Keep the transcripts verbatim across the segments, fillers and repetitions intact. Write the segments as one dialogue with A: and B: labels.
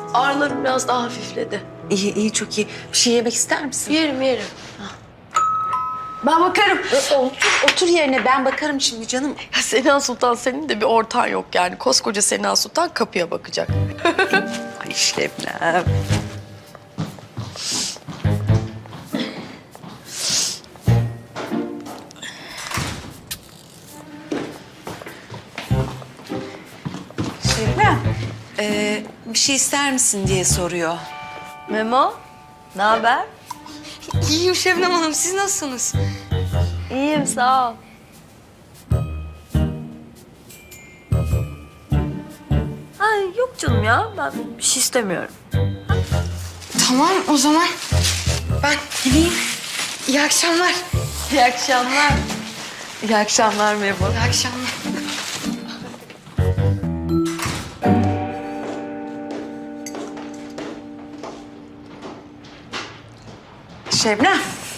A: Ağrılarım biraz daha hafifledi.
B: İyi iyi çok iyi. Bir şey yemek ister misin?
A: Yerim yerim. Ben bakarım.
B: Otur, otur yerine ben bakarım şimdi canım.
A: Ya Sena Sultan senin de bir ortağın yok yani. Koskoca Sena Sultan kapıya bakacak.
B: Ay Şebnem. Şebnem, ee, bir şey ister misin diye soruyor.
A: Memo, ne haber?
C: İyiyim Şebnem Hanım, siz nasılsınız?
A: İyiyim, sağ ol. Ay yok canım ya, ben bir şey istemiyorum.
C: Tamam, o zaman ben gideyim. İyi akşamlar.
A: İyi akşamlar. İyi akşamlar Memo.
C: İyi akşamlar.
B: Şebnem.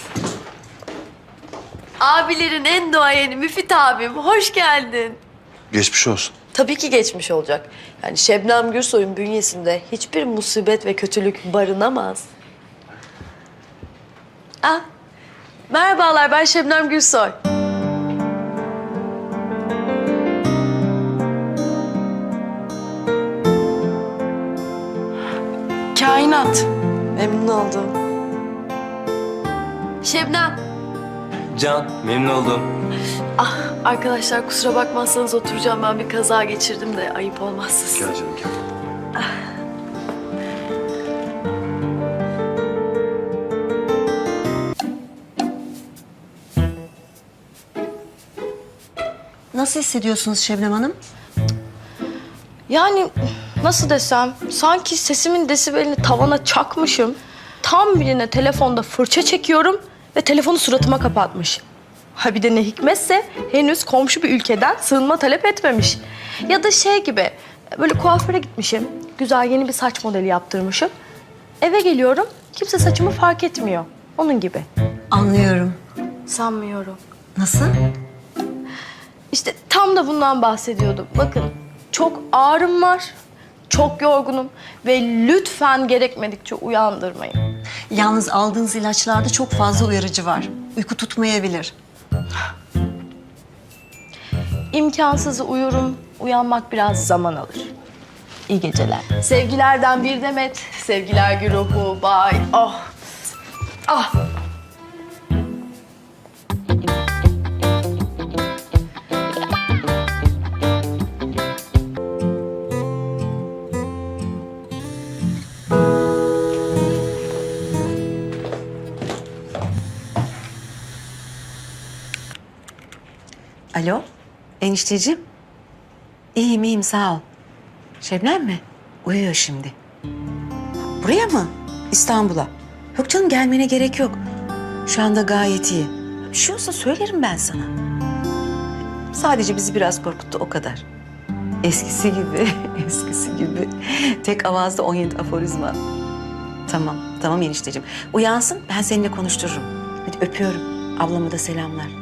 A: Abilerin en duayeni Müfit abim, hoş geldin.
D: Geçmiş olsun.
A: Tabii ki geçmiş olacak. Yani Şebnem Gürsoy'un bünyesinde hiçbir musibet ve kötülük barınamaz. Ah, merhabalar, ben Şebnem Gürsoy.
C: Kainat.
A: Memnun oldum. Şebnem.
E: Can, memnun oldum.
A: Ah, arkadaşlar kusura bakmazsanız oturacağım. Ben bir kaza geçirdim de ayıp olmazsa size.
D: Gel canım gel.
B: Nasıl hissediyorsunuz Şebnem Hanım?
A: Yani nasıl desem, sanki sesimin desibelini tavana çakmışım. Tam birine telefonda fırça çekiyorum ve telefonu suratıma kapatmış. Ha bir de ne hikmetse henüz komşu bir ülkeden sığınma talep etmemiş. Ya da şey gibi, böyle kuaföre gitmişim, güzel yeni bir saç modeli yaptırmışım. Eve geliyorum, kimse saçımı fark etmiyor. Onun gibi.
B: Anlıyorum.
A: Sanmıyorum.
B: Nasıl?
A: İşte tam da bundan bahsediyordum. Bakın, çok ağrım var, çok yorgunum ve lütfen gerekmedikçe uyandırmayın.
F: Yalnız aldığınız ilaçlarda çok fazla uyarıcı var. Uyku tutmayabilir.
A: İmkansızı uyurum, uyanmak biraz zaman alır. İyi geceler. Sevgilerden bir demet, sevgiler güruhu, bay. Oh, ah.
B: Alo, enişteciğim. İyiyim, iyiyim, sağ ol. Şebnem mi? Uyuyor şimdi. Buraya mı? İstanbul'a. Yok canım, gelmene gerek yok. Şu anda gayet iyi. Bir şey olsa söylerim ben sana. Sadece bizi biraz korkuttu, o kadar. Eskisi gibi, eskisi gibi. Tek avazda on yedi aforizma. Tamam, tamam enişteciğim. Uyansın, ben seninle konuştururum. Hadi öpüyorum. Ablama da selamlar.